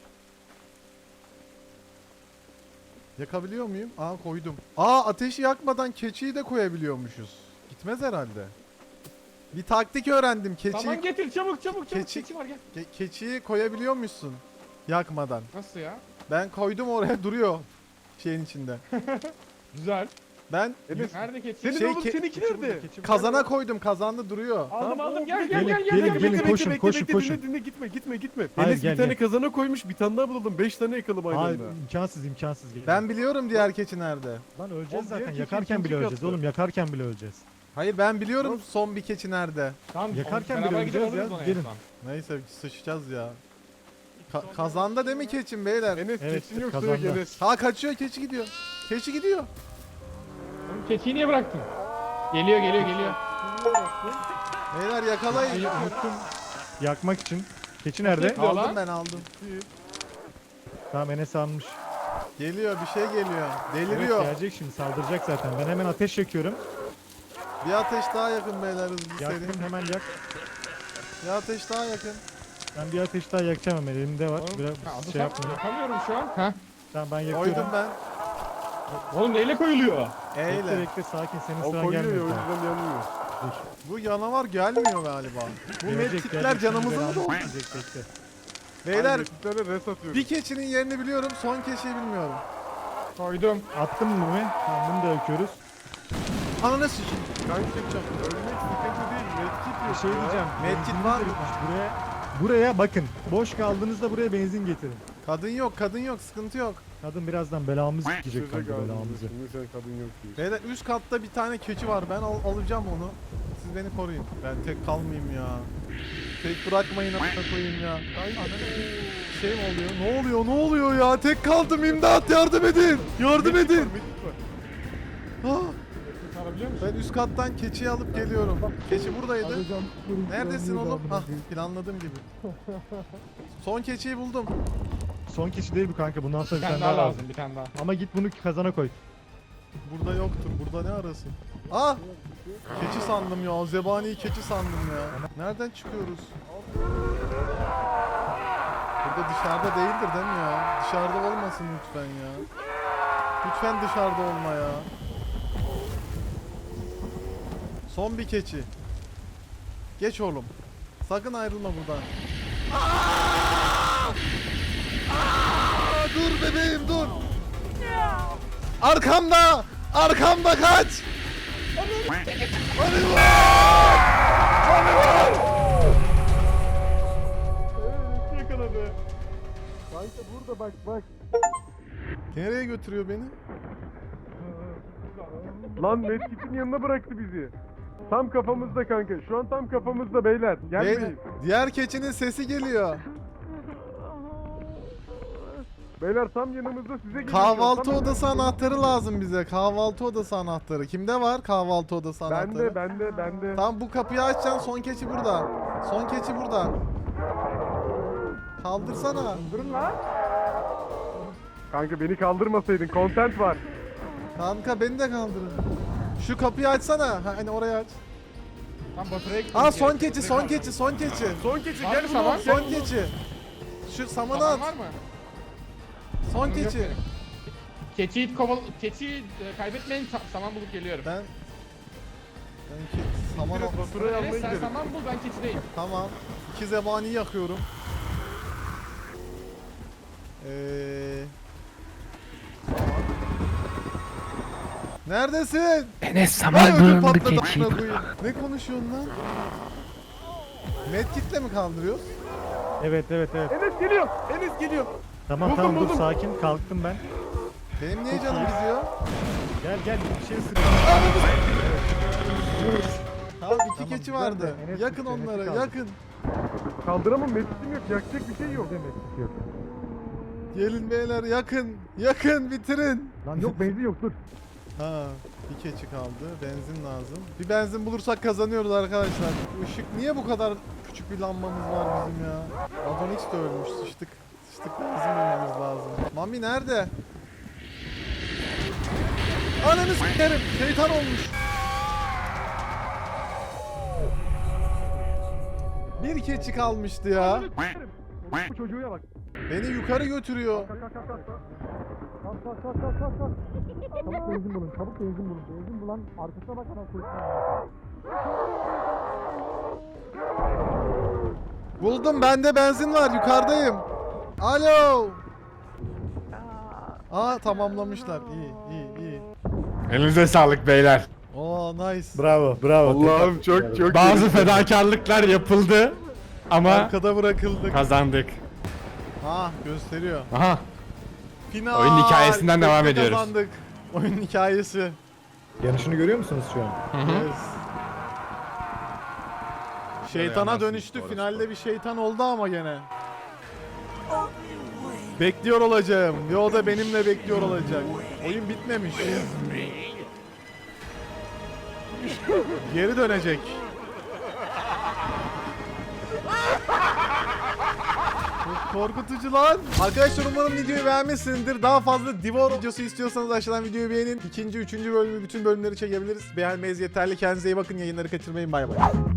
[SPEAKER 1] Yakabiliyor muyum? Aa koydum. Aa ateşi yakmadan keçiyi de koyabiliyormuşuz. Gitmez herhalde. Bir taktik öğrendim. Keçiyi,
[SPEAKER 2] Saman getir çabuk çabuk çabuk.
[SPEAKER 1] Keçi-
[SPEAKER 2] Keçi var gel.
[SPEAKER 1] ke- keçiyi koyabiliyormuşsun. Yakmadan.
[SPEAKER 2] Nasıl ya?
[SPEAKER 1] Ben koydum oraya duruyor. Şeyin içinde.
[SPEAKER 2] Güzel.
[SPEAKER 1] Ben
[SPEAKER 4] Enes,
[SPEAKER 2] Nerede keçi?
[SPEAKER 4] senin
[SPEAKER 1] Şey,
[SPEAKER 4] oğlum
[SPEAKER 1] ke-
[SPEAKER 4] seninki nerede?
[SPEAKER 1] kazana koydum. Kazanda duruyor.
[SPEAKER 2] Aldım aldım gel gel
[SPEAKER 3] Gelin,
[SPEAKER 2] gel gel.
[SPEAKER 3] gelin,
[SPEAKER 2] gel.
[SPEAKER 3] gelin.
[SPEAKER 4] Bekle,
[SPEAKER 3] koşun,
[SPEAKER 4] bekle,
[SPEAKER 3] koşun,
[SPEAKER 4] bekle,
[SPEAKER 3] koşun.
[SPEAKER 4] Dinle, dinle, gitme, gitme, gitme.
[SPEAKER 3] Hayır,
[SPEAKER 4] Enes
[SPEAKER 3] gel,
[SPEAKER 4] bir tane
[SPEAKER 3] gel.
[SPEAKER 4] kazana koymuş, bir tane daha bulalım. Beş tane yakalım aynı
[SPEAKER 3] Hayır
[SPEAKER 4] anda.
[SPEAKER 3] imkansız imkansız.
[SPEAKER 1] Ben biliyorum diğer keçi nerede.
[SPEAKER 3] Lan öleceğiz
[SPEAKER 4] Oğlum, diğer
[SPEAKER 3] zaten.
[SPEAKER 4] keçi
[SPEAKER 3] Yakarken
[SPEAKER 4] ikinci
[SPEAKER 3] bile öleceğiz
[SPEAKER 4] katta.
[SPEAKER 3] oğlum. Yakarken bile öleceğiz.
[SPEAKER 1] Hayır ben biliyorum son bir keçi nerede.
[SPEAKER 2] Tamam,
[SPEAKER 3] Yakarken
[SPEAKER 2] beraber
[SPEAKER 3] bile
[SPEAKER 2] gidelim,
[SPEAKER 3] öleceğiz
[SPEAKER 2] alırız
[SPEAKER 3] ya,
[SPEAKER 2] onu en
[SPEAKER 3] gelin.
[SPEAKER 2] son.
[SPEAKER 1] Neyse sıçacağız ya. Ka- kazanda değil mi keçim beyler?
[SPEAKER 4] Enes
[SPEAKER 3] Evet,
[SPEAKER 4] keçin yok
[SPEAKER 3] kazanda.
[SPEAKER 4] direkt Enes.
[SPEAKER 1] Ha kaçıyor keçi gidiyor. Keçi gidiyor.
[SPEAKER 2] Oğlum keçiyi niye bıraktın? Geliyor geliyor geliyor.
[SPEAKER 1] Beyler yakalayın.
[SPEAKER 3] Ay, unuttum. Yakmak için. Keçi nerede?
[SPEAKER 2] Gidiyor
[SPEAKER 1] Aldım
[SPEAKER 2] lan.
[SPEAKER 1] ben aldım.
[SPEAKER 3] Tamam Enes almış.
[SPEAKER 1] Geliyor bir şey geliyor.
[SPEAKER 3] Evet,
[SPEAKER 1] Deliriyor.
[SPEAKER 3] gelecek şimdi saldıracak zaten. Ben hemen ateş yakıyorum.
[SPEAKER 1] Bir ateş daha yakın beyler hızlı
[SPEAKER 3] Yaktım
[SPEAKER 1] seri.
[SPEAKER 3] hemen yak.
[SPEAKER 1] Bir ateş daha yakın.
[SPEAKER 3] Ben bir ateş daha yakacağım hemen elimde var.
[SPEAKER 2] Oğlum,
[SPEAKER 3] Biraz
[SPEAKER 2] ha, adı
[SPEAKER 3] şey
[SPEAKER 2] sen-
[SPEAKER 3] yapmayayım.
[SPEAKER 2] Yapamıyorum şu an. Ha.
[SPEAKER 3] Tamam ben yakıyorum.
[SPEAKER 1] Koydum ben.
[SPEAKER 2] Oğlum neyle koyuluyor?
[SPEAKER 3] Bekle
[SPEAKER 1] Eyle.
[SPEAKER 3] bekle sakin senin
[SPEAKER 4] O
[SPEAKER 3] sıran
[SPEAKER 4] koyuyor ya o
[SPEAKER 3] gelmiyor. daha.
[SPEAKER 4] yüzden yanmıyor.
[SPEAKER 1] Bu canavar gelmiyor galiba. Bu
[SPEAKER 3] Gelecek,
[SPEAKER 1] medkitler
[SPEAKER 3] gelecek,
[SPEAKER 1] canımızı
[SPEAKER 3] şimdi
[SPEAKER 1] mı
[SPEAKER 3] belanı
[SPEAKER 1] doldu?
[SPEAKER 3] yiyecek, bekle.
[SPEAKER 1] Beyler
[SPEAKER 4] Bir tane res atıyorum.
[SPEAKER 1] bir keçinin yerini biliyorum son keçiyi bilmiyorum.
[SPEAKER 2] Koydum.
[SPEAKER 3] Attım mı mı? Tamam bunu da yakıyoruz.
[SPEAKER 1] Ananı sikeyim.
[SPEAKER 4] Kanka ölmek sıkıntı değil. Medkit
[SPEAKER 3] Bir
[SPEAKER 4] yok
[SPEAKER 3] şey
[SPEAKER 4] ya.
[SPEAKER 3] diyeceğim.
[SPEAKER 1] Medkit
[SPEAKER 3] benzin
[SPEAKER 1] var
[SPEAKER 3] de
[SPEAKER 1] mı?
[SPEAKER 3] bitmiş. Buraya, buraya bakın. Boş kaldığınızda buraya benzin getirin.
[SPEAKER 1] Kadın yok kadın yok sıkıntı yok.
[SPEAKER 3] Kadın birazdan belamızı
[SPEAKER 4] Söze
[SPEAKER 3] sikecek kanka
[SPEAKER 4] kaldım.
[SPEAKER 3] belamızı.
[SPEAKER 4] Şimdi sen kadın yok diyor.
[SPEAKER 1] Beyler üst katta bir tane keçi var ben al- alacağım onu. siz beni koruyun. Ben tek kalmayayım ya. Tek bırakmayın a**ına koyayım ya. Şey mi oluyor? Ne oluyor? Ne oluyor ya? Tek kaldım, imdat, yardım edin. Yardım edin. Ah,
[SPEAKER 2] Kurtarabiliyor musun?
[SPEAKER 1] ben üst kattan keçiyi alıp geliyorum. Keçi buradaydı. Neredesin oğlum? Hah, planladığım gibi. Son keçiyi buldum.
[SPEAKER 3] Son kişi değil bu kanka. Bundan sonra
[SPEAKER 2] Bir
[SPEAKER 3] bir
[SPEAKER 2] tane
[SPEAKER 3] tane
[SPEAKER 2] daha
[SPEAKER 3] daha
[SPEAKER 2] lazım,
[SPEAKER 3] lazım.
[SPEAKER 2] bir tane daha.
[SPEAKER 3] Ama git bunu kazana koy.
[SPEAKER 1] Burada yoktur. Burada ne arasın? Ah! Keçi sandım ya. Zebaniyi keçi sandım ya. Nereden çıkıyoruz? Burada dışarıda değildir değil mi ya? Dışarıda olmasın lütfen ya. Lütfen dışarıda olma ya. Son bir keçi. Geç oğlum. Sakın ayrılma buradan. Aa! Aa! Dur bebeğim dur. Arkamda! Arkamda kaç! Hadi var! Hadi var!
[SPEAKER 4] Yakaladı. Kanka burada bak bak.
[SPEAKER 1] Nereye götürüyor beni?
[SPEAKER 4] Lan Medkit'in yanına bıraktı bizi. Tam kafamızda kanka. Şu an tam kafamızda beyler.
[SPEAKER 1] Beyler,
[SPEAKER 4] Gelmeyin.
[SPEAKER 1] diğer keçinin sesi geliyor.
[SPEAKER 4] Beyler tam yanımızda size geliyor.
[SPEAKER 1] Kahvaltı
[SPEAKER 4] Tam-
[SPEAKER 1] odası anahtarı lazım bize. Kahvaltı odası anahtarı. Kimde var kahvaltı odası anahtarı?
[SPEAKER 4] Bende bende bende.
[SPEAKER 1] Tamam, bu kapıyı açacaksın. Son keçi burada. Son keçi burada. Kaldırsana.
[SPEAKER 4] Durun lan. Kanka beni kaldırmasaydın. Content var.
[SPEAKER 1] Kanka beni de kaldırın. Şu kapıyı açsana. Ha, hani orayı aç.
[SPEAKER 2] Tam Baturay'a gitmemiz
[SPEAKER 1] Aa, son
[SPEAKER 2] gerekiyor.
[SPEAKER 1] keçi, son keçi, son keçi.
[SPEAKER 4] Son keçi
[SPEAKER 2] Var
[SPEAKER 4] gel
[SPEAKER 2] mı
[SPEAKER 4] bunu.
[SPEAKER 2] saman?
[SPEAKER 1] Son keçi. Şu samanı
[SPEAKER 2] Saman
[SPEAKER 1] at.
[SPEAKER 2] var mı?
[SPEAKER 1] Son
[SPEAKER 2] Samanım yok
[SPEAKER 1] keçi.
[SPEAKER 2] benim. Keçiyi koval... Keçiyi e, kaybetmeyin, sa- saman bulup geliyorum.
[SPEAKER 1] Ben ben ki saman
[SPEAKER 4] Biraz Baturay'ı almaya
[SPEAKER 2] Enes sen
[SPEAKER 4] gidelim.
[SPEAKER 2] saman bul, ben keçideyim.
[SPEAKER 1] tamam. İki zebani yakıyorum. Ee... Neredesin?
[SPEAKER 6] Enes
[SPEAKER 1] Ay,
[SPEAKER 6] saman
[SPEAKER 1] ödüm
[SPEAKER 6] bulundu
[SPEAKER 1] patladı
[SPEAKER 6] keçi.
[SPEAKER 1] amına koyayım. Ne konuşuyorsun lan? Medkit'le mi kaldırıyoruz?
[SPEAKER 3] Evet evet evet.
[SPEAKER 4] Enes geliyor. Enes geliyor.
[SPEAKER 3] Tamam
[SPEAKER 4] Buldum,
[SPEAKER 3] tamam dur
[SPEAKER 4] buldum.
[SPEAKER 3] sakin kalktım ben.
[SPEAKER 1] Benim niye canım gidiyor?
[SPEAKER 3] Gel gel bir şey sık.
[SPEAKER 1] Tamam, iki
[SPEAKER 3] Tamam,
[SPEAKER 1] keçi
[SPEAKER 3] güzel
[SPEAKER 1] vardı.
[SPEAKER 3] de Enes
[SPEAKER 1] Yakın
[SPEAKER 3] gitti, Enes'i
[SPEAKER 1] onları,
[SPEAKER 3] kaldır.
[SPEAKER 1] yakın.
[SPEAKER 4] Kaldıramam. Medkit'im yok. Yakacak bir şey yok.
[SPEAKER 3] Demek yok.
[SPEAKER 1] Gelin beyler, yakın. Yakın, bitirin.
[SPEAKER 3] Lan yok benzin yok dur.
[SPEAKER 1] Ha, bir keçi kaldı. Benzin lazım. Bir benzin bulursak kazanıyoruz arkadaşlar. Bu ışık niye bu kadar küçük bir lambamız var bizim ya? Adonix de ölmüş. Sıçtık. Sıçtık, benzin bulmamız lazım. Mami nerede? Ananı s**erim. Şeytan olmuş. Bir keçi kalmıştı ya.
[SPEAKER 3] Bu çocuğa bak.
[SPEAKER 1] Beni yukarı götürüyor.
[SPEAKER 3] Kalk kalk kalk kalk. Kalk kalk kalk kalk kalk kalk. Çabuk benzin bulun, çabuk benzin bulun. Benzin bulan arkasına bak ana koysun.
[SPEAKER 1] Buldum, bende benzin var, yukarıdayım. Alo. Aa, tamamlamışlar. İyi, iyi, iyi.
[SPEAKER 6] Elinize sağlık beyler.
[SPEAKER 1] Oo, nice.
[SPEAKER 3] Bravo, bravo.
[SPEAKER 4] Allah'ım çok çok
[SPEAKER 6] Bazı fedakarlıklar yapıldı ama
[SPEAKER 1] Arkada bırakıldık.
[SPEAKER 6] kazandık.
[SPEAKER 1] Ah, gösteriyor.
[SPEAKER 6] Aha.
[SPEAKER 1] Final.
[SPEAKER 6] Oyunun hikayesinden devam
[SPEAKER 1] Tekte
[SPEAKER 6] ediyoruz.
[SPEAKER 1] Kazandık. Oyunun hikayesi.
[SPEAKER 3] Yanışını görüyor musunuz şu an?
[SPEAKER 1] Yes. Şeytana dönüştü. Finalde bir şeytan oldu ama gene. Bekliyor olacağım. Ve o da benimle bekliyor olacak. Oyun bitmemiş. Geri dönecek. Çok korkutucu lan. Arkadaşlar umarım videoyu beğenmişsinizdir. Daha fazla Divor videosu istiyorsanız aşağıdan videoyu beğenin. İkinci, üçüncü bölümü, bütün bölümleri çekebiliriz. Beğenmeniz yeterli. Kendinize iyi bakın. Yayınları kaçırmayın. Bay bay.